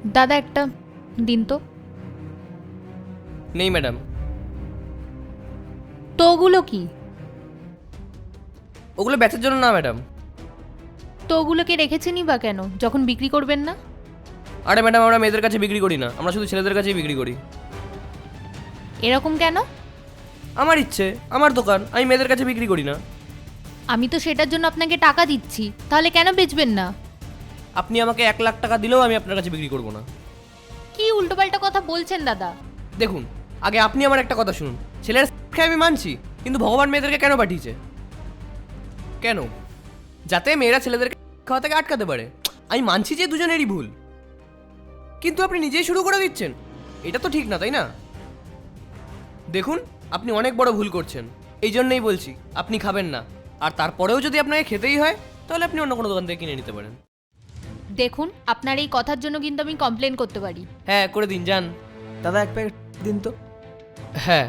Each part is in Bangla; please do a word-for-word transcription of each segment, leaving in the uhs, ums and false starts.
দাদা একটা দিন তো। নেই ম্যাডাম। তো ওগুলো কি? ওগুলো বেচার জন্য না ম্যাডাম। তো ওগুলোকে রেখেছেনই বা কেন, যখন বিক্রি করবেন না? আরে ম্যাডাম, আমরা মেয়েদের কাছে বিক্রি করি না, আমরা শুধু ছেলেদের কাছেই বিক্রি করি। এরকম কেন? আমার ইচ্ছে, আমার দোকান, আমি মেয়েদের কাছে বিক্রি করি না। আমি তো সেটার জন্য আপনাকে টাকা দিচ্ছি, তাহলে কেন বেচবেন না? আপনি আমাকে এক লাখ টাকা দিলেও আমি আপনার কাছে বিক্রি করবো না। কি উল্টোপাল্টা কথা বলছেন দাদা? দেখুন, আগে আপনি আমার একটা কথা শুনুন। ছেলের খেয়ে আমি মানছি, কিন্তু ভগবান মেয়েদেরকে কেন পাঠিয়েছে? কেন? যাতে মেয়েরা ছেলেদেরকে খাওয়া থেকে আটকাতে পারে। আমি মানছি যে দুজনেরই ভুল, কিন্তু আপনি নিজেই শুরু করে দিচ্ছেন। এটা তো ঠিক না, তাই না? দেখুন, আপনি অনেক বড় ভুল করছেন। এই জন্যই বলছি আপনি খাবেন না, আর তারপরেও যদি আপনাকে খেতেই হয় তাহলে আপনি অন্য কোনো দোকান থেকে কিনে নিতে পারেন। দেখুন, আপনার এই কথার জন্য কিন্তু আমি কমপ্লেন করতে পারি। হ্যাঁ, করে দিন, যান। দাদা এক প্যাকেট দিন তো। হ্যাঁ।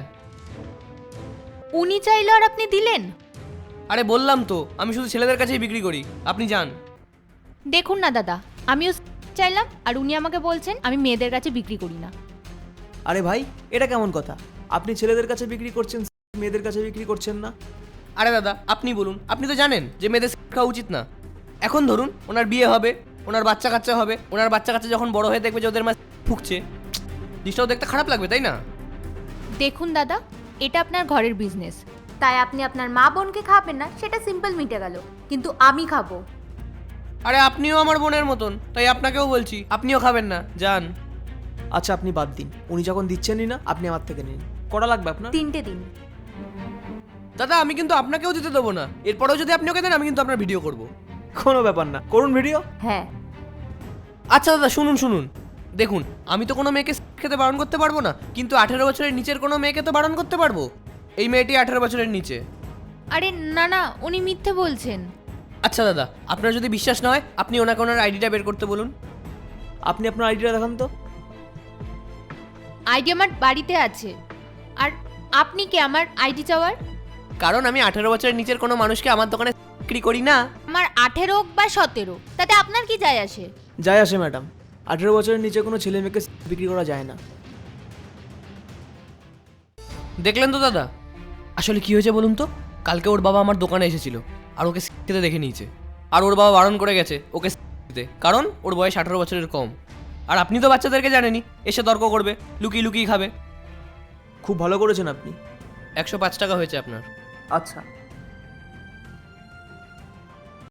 উনি চাইলো আর আপনি দিলেন? আরে বললাম তো, আমি শুধু ছেলেদের কাছেই বিক্রি করি, আপনি যান। দেখুন না দাদা, আমিও চাইলাম আর উনি আমাকে বলছেন আমি মেয়েদের কাছে বিক্রি করি না। আরে ভাই, এটা কেমন কথা? আপনি ছেলেদের কাছে বিক্রি করছেন, মেয়েদের কাছে বিক্রি করছেন না? আরে দাদা, আপনি বলুন, আপনি তো জানেন যে মেয়েদের সিগারেট খাওয়া উচিত না। এখন ধরুন ওনার বিয়ে হবে, ওনার বাচ্চা কাচ্চা হবে, ওনার বাচ্চা কাচ্চা যখন বড় হয়ে দেখবে যে ওদের মা ফুঁকছে, জিনিসটাও দেখতে খারাপ লাগবে, তাই না? দেখুন দাদা, এটা আপনার ঘরের বিজনেস, তাই আপনি আপনার মা বোনকে খাবেন না, সেটা সিম্পল মিটে গেল, কিন্তু আমি খাবো। আরে আপনিও আমার বোনের মতন, তাই আপনাকেও বলছি আপনিও খাবেন না, যান। আচ্ছা আপনি বাদ দিন, উনি যখন দিচ্ছেনই না আপনি আমার থেকে নিন। কটা লাগবে আপনার? তিনটে দিন। দাদা, আমি কিন্তু আপনাকেও দিতে দেবো না। এরপরেও যদি আপনি ওকে দেন আমি কিন্তু আপনার ভিডিও করব। কোনো ব্যাপার না, করুন ভিডিও। হ্যাঁ। আচ্ছা দাদা, শুনুন শুনুন, দেখুন, আমি তো কোনো মেয়েকে খেতে বারণ করতে পারবো না, কিন্তু আঠেরো বছরের নিচের কোনো মেয়েকে তো বারণ করতে পারবো। এই মেয়েটি আঠেরো বছরের নিচে। আরে না না, উনি মিথ্যে বলছেন। আচ্ছা দাদা, আপনার যদি বিশ্বাস না হয় আপনি ওনাকে ওনার আইডিটা বের করতে বলুন। আপনি আপনার আইডিটা দেখান তো। আইডি আমার বাড়িতে আছে, আর আপনি কি আমার আইডি চাওয়ার? কারণ আমি আঠেরো বছরের নিচের কোনো মানুষকে আমার দোকানে বিক্রি করি না। আমার আঠেরো হোক বা সতেরো, তাতে আপনার কি যায় আসে? যায় আসে ম্যাডাম, আঠেরো বছরের নিচে কোনো ছেলে মেয়েকে বিক্রি করা যায় না। দেখলেন তো দাদা, আসলে কি হয়েছে বলুন তো? কালকে ওর বাবা আমার দোকানে এসেছিল আর ওকে খেতে দেখে নিয়েছে, আর ওর বাবা বারণ করে গেছে ওকে খেতে, কারণ ওর বয়স আঠেরো বছরের কম। আর আপনি তো বাচ্চাদেরকে জানেনই, এসে তর্ক করবে, লুকিয়ে লুকিয়ে খাবে। খুব ভালো করেছেন আপনি। একশো পাঁচ টাকা হয়েছে আপনার। আচ্ছা।